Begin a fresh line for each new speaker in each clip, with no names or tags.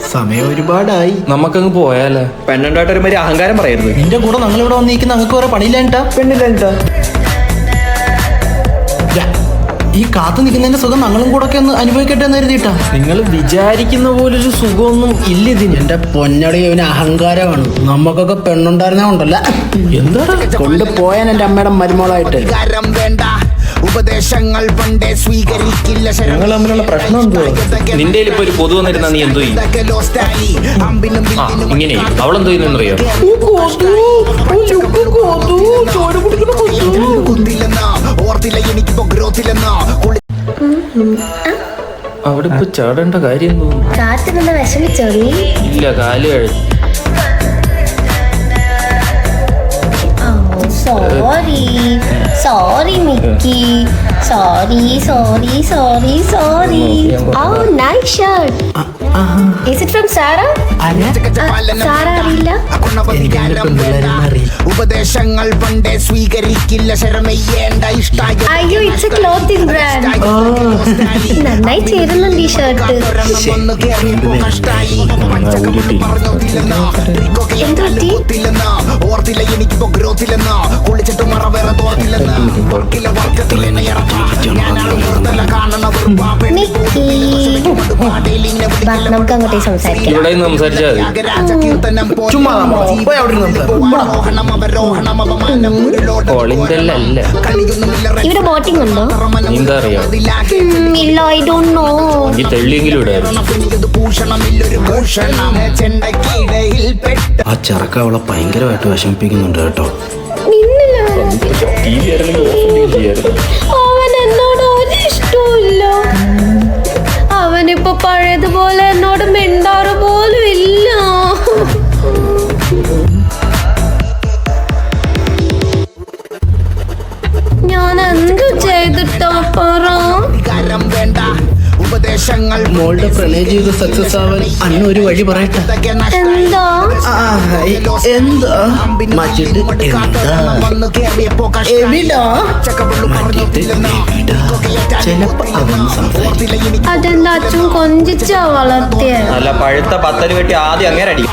സമയം ഒരുപാടായി.
നമുക്കങ്ങ് പോയാലേ?
പെണ്ണുണ്ടായിട്ട് ഒരുമാതിരി അഹങ്കാരം പറയരുത്.
നിന്റെ കൂടെ ഞങ്ങളിവിടെ വന്നിരിക്കുന്ന ഞങ്ങൾക്ക് വേറെ പണിയില്ലാണ്ടാ.
പെണ്ണില്ലാണ്ടാ
ഈ കാത്തു നിൽക്കുന്നതിന്റെ സുഖം ഞങ്ങളും കൂടെ ഒക്കെ ഒന്ന് അനുഭവിക്കട്ടെ എന്ന് കരുതിയിട്ടാ.
നിങ്ങൾ വിചാരിക്കുന്ന പോലൊരു സുഖമൊന്നും ഇല്ല ഇതിന്.
എന്റെ പൊന്നടി ഇവന് അഹങ്കാരമാണ്. നമുക്കൊക്കെ പെണ്ണുണ്ടായിരുന്ന കൊണ്ടല്ല,
എന്താ
കൊണ്ടുപോയാൻ എന്റെ അമ്മയുടെ മരുമോളായിട്ട്.
ഉപദേശങ്ങൾ പണ്ടേ സ്വീകരിക്കില്ല.
ഞങ്ങൾ തമ്മിലുള്ള പ്രശ്നം എന്തോ? നിന്റെ ഇപ്പൊ ഒരു പൊതു വന്നിരുന്നാ നീ എന്തോ ചെയ്യും? ഇങ്ങനെ അവളെന്തോ ചെയ്യുന്നറിയോ? അവിടെ ഇപ്പൊ ചാടേണ്ട കാര്യം തോന്നുന്നു. ഇല്ല, കാല് കഴിച്ചു.
Sorry, Mickey. Sorry. Oh, nice shirt. Is it from Sarah? Sarah അറിയില്ല.
ഉപദേശങ്ങൾ പണ്ടേ സ്വീകരിക്കില്ല. ശരമയ്യേണ്ട ഇഷ്ടായ.
അയ്യോ, it's a clothing brand. നന്നായി ചേരുന്നുണ്ട് ഈ ഷർട്ട്.
ഓർത്തില്ല എനിക്കിപ്പോ ഗ്രോത്തില്ലെന്ന്. കുളിച്ചിട്ട് മറ വേറെ തോർത്തില്ലെന്ന്.
നമുക്ക് അങ്ങോട്ടേ സംസാരിക്കാം.
ഇവിടെ സംസാരിച്ചാൽ
ഇവിടെ ബോട്ടിംഗ് ഉണ്ടോ?
എന്താ അറിയാം?
ഇല്ല, ഐ ഡോണ്ട് നോ.
ഈ തെള്ളിയെങ്കിലും ഇടായിരുന്നു.
ആ ചെറുക്ക അവളെ ഭയങ്കരമായിട്ട് വിഷമിപ്പിക്കുന്നുണ്ട് കേട്ടോ.
അവൻ എന്നോട് ഒരു ഇഷ്ടമില്ല. അവനിപ്പോ പഴയതുപോലെ എന്നോട് മിണ്ടാറ് പോലും ഇല്ല. ഞാൻ എന്ത് ചെയ്തിട്ടോ പറ.
മോളുടെ പ്രണയ ജീവിതം സക്സസ് ആവാൻ അന്ന് ഒരു വഴി പറയട്ടെ.
എന്താ?
എന്താ മാറ്റിട്ട് ചിലപ്പോ അവന്ന് സംസാരിക്കും.
അതെന്താ അച്ഛൻ കൊഞ്ചിച്ചാ വളർത്തിയ?
നല്ല പഴുത്ത പത്തല് വെട്ടി ആദ്യം അങ്ങനെ അടി.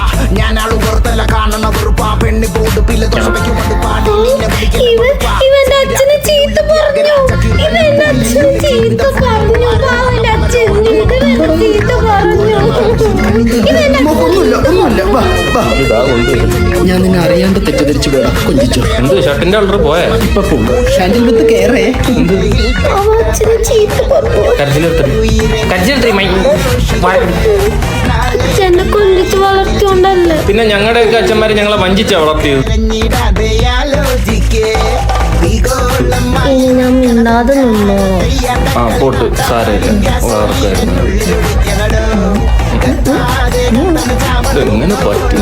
ഇവന്റെ അച്ഛനെ ചീത്ത പറഞ്ഞു. ഇവന്റെ അച്ഛനെ ചീത്ത പറഞ്ഞു. അവന്റെ അച്ഛൻ ചീത്ത പറഞ്ഞു.
ഞാൻ നിന്നെ അറിയാണ്ട് തെറ്റിദ്ധരിച്ചു പോയാ കൊഞ്ചിച്ചു.
എന്ത് ഷർട്ടിന്റെ കളർ പോയാ?
ഇപ്പൊ പോകും. ഷാൻഡിൽ വിത്ത് കേറേ.
അവൻ അച്ഛനെ ചീത്ത പറഞ്ഞു. അച്ഛനെ കൊഞ്ചിച്ച് വളർത്തിയോണ്ടല്ലേ.
പിന്നെ ഞങ്ങളുടെയൊക്കെ അച്ഛന്മാരെ ഞങ്ങളെ വഞ്ചിച്ചാ വളർത്തിയത്.
ഇനി ഞാൻ മിണ്ടാതെ നിന്നോ?
ആ പോട്ട്, സാരമില്ല. എങ്ങനെ പറ്റും?